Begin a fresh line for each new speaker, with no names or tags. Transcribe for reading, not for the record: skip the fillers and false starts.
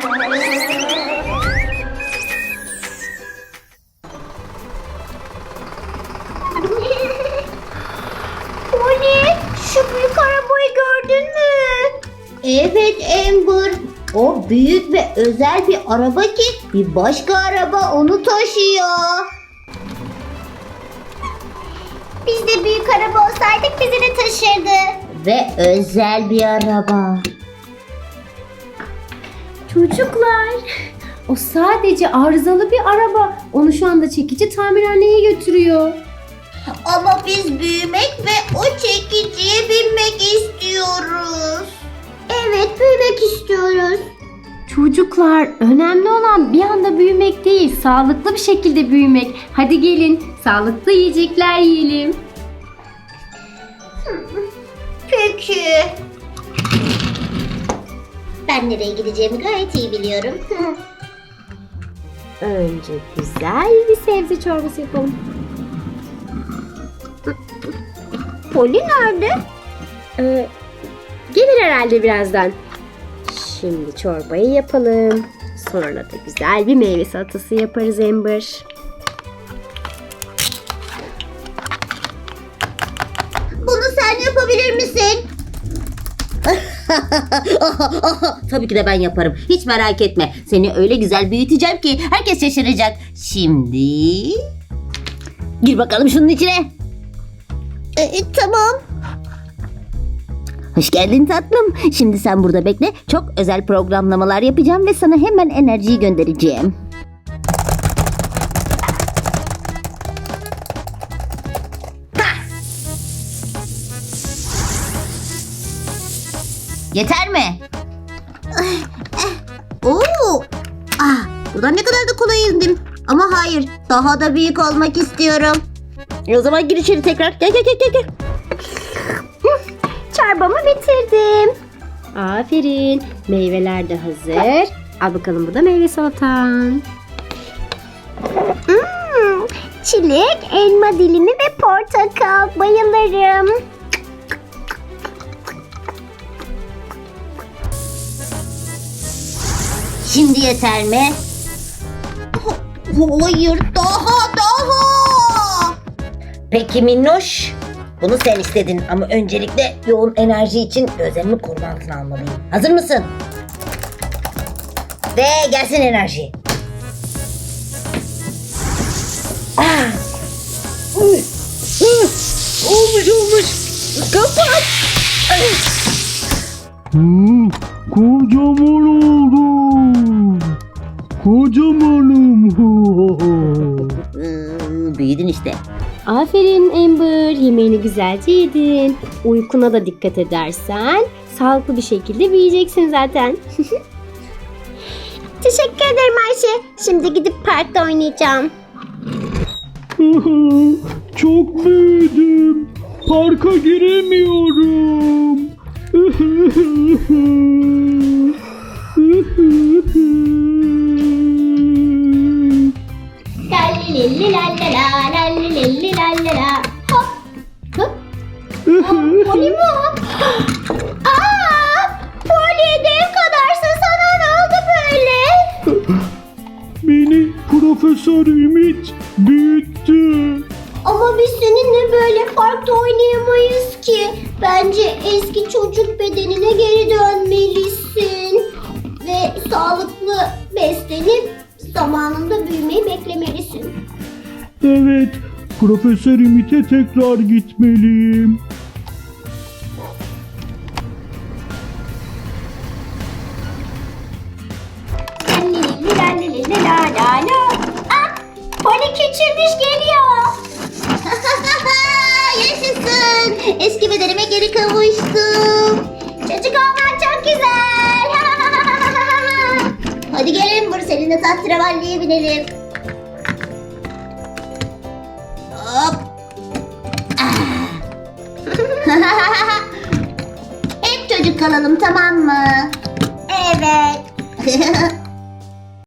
Poli, şu büyük arabayı gördün mü? Evet Amber. O büyük ve özel bir araba ki bir başka araba onu taşıyor. Biz de büyük araba olsaydık bizi de taşırdı. Ve özel bir araba.
Çocuklar, o sadece arızalı bir araba. Onu şu anda çekici tamirhaneye götürüyor.
Ama biz büyümek ve o çekiciye binmek istiyoruz. Evet, büyümek istiyoruz.
Çocuklar, önemli olan bir anda büyümek değil, sağlıklı bir şekilde büyümek. Hadi gelin, sağlıklı yiyecekler yiyelim.
Peki. Ben nereye gideceğimi gayet iyi biliyorum.
Önce güzel bir sebze çorbası yapalım.
Poli nerede?
Gelir herhalde birazdan. Şimdi çorbayı yapalım. Sonra da güzel bir meyve salatası yaparız Amber.
Bunu sen yapabilir misin? Tabii ki de ben yaparım. Hiç merak etme. Seni öyle güzel büyüteceğim ki herkes şaşıracak. Şimdi... Gir bakalım şunun içine. Tamam. Hoş geldin tatlım. Şimdi sen burada bekle. Çok özel programlamalar yapacağım ve sana hemen enerjiyi göndereceğim. Yeter mi? Oo! Buradan ne kadar da kolay indim. Ama hayır, daha da büyük olmak istiyorum. O zaman gir içeri tekrar. Gel.
Çorbamı bitirdim. Aferin. Meyveler de hazır. Al bakalım, bu da meyve salatan.
Çilek, elma dilimi ve portakal. Bayılırım. Şimdi yeter mi? Hayır, daha. Peki Minnoş, bunu sen istedin ama öncelikle yoğun enerji için gözlerimi koruma altına almalıyım. Hazır mısın? Ve gelsin enerji. Olmuş. Kapat.
Kocaman oldum. Kocamanım.
Büyüdün işte.
Aferin Amber. Yemeğini güzelce yedin. Uykuna da dikkat edersen sağlıklı bir şekilde büyüyeceksin zaten.
Teşekkür ederim Ayşe. Şimdi gidip parkta oynayacağım.
Çok büyüdüm. Parka giremiyorum.
Lalli lallala, lalli lallala. Hop. Hop. Poli mi o? Poli dev kadarsın, sana ne oldu böyle?
Beni Profesör Ümit büyüttü.
Ama biz seninle böyle parkta oynayamayız ki. Bence eski çocuk bedenine geri dönmelisin. Ve sağlıklı beslenip zamanında büyümeyi beklemelisin.
Evet, Profesör Ümit'e tekrar gitmeliyim.
Poli küçülmüş geliyor. Yaşasın. Eski bedenime geri kavuştum. Çocuk olmak çok güzel. Hadi gelin Amber, seninle tahterevalliye binelim. Hop. Hep çocuk kalalım, tamam mı? Evet.